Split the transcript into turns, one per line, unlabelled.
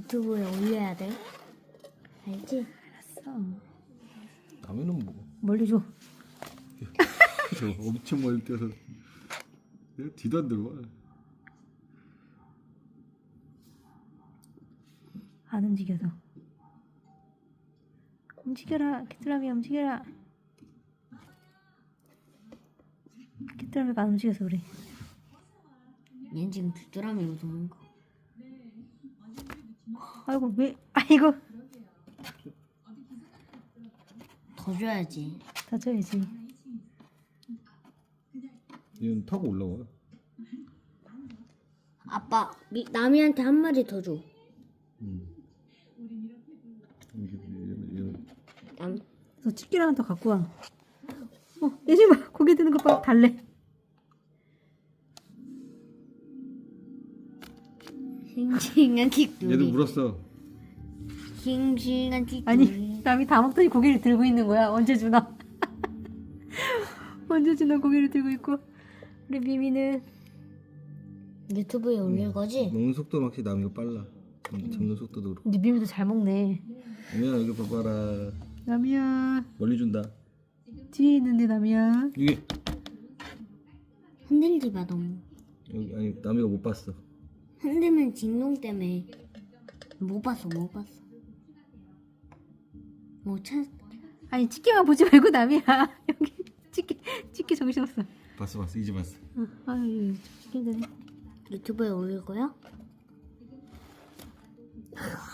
유튜브에 올려야 돼. 알지?
알았어.
라면은 뭐?
멀리 줘.
저 엄청 멀리 뛰어서 내가 뒤도 안 들어와.
안 움직여서. 움직여라. 귀뚜라미 움직여라. 귀뚜라미가 안 움직여서 그래.
얘는 지금 귀뚜라미 무서운 거.
아이고 왜? 아이고.
더 줘야지.
다쳐야지.
얘는 타고 올라와.
아빠, 나미한테 한 마리 더 줘. 남.
너 집게를 하나 더 갖고 와. 예진아 고개 드는 거 봐. 달래.
싱싱한 틱두리.
얘도 물었어.
싱싱한 틱두리.
아니 남이 다 먹더니 고개를 들고 있는 거야. 언제 주나? 언제 주나 고개를 들고 있고. 우리 미미는
유튜브에 올릴 거지?
먹는 속도 확실히 남이가 빨라. 잡는 속도도 그렇고.
근데 미미도 잘 먹네.
남이야 여기 봐봐라.
남이야
멀리 준다.
뒤에 있는데 남이야.
이게
흔들지 마 너무.
여기 아니 남이가 못 봤어.
흔들면 진동 때문에 못 봤어. 뭐 찾?
아니 집게만 보지 말고 남이야. 여기 집게 정신없어.
봤어 이제 봤어.
아유 집게 힘드네.
유튜브에 올릴 거야?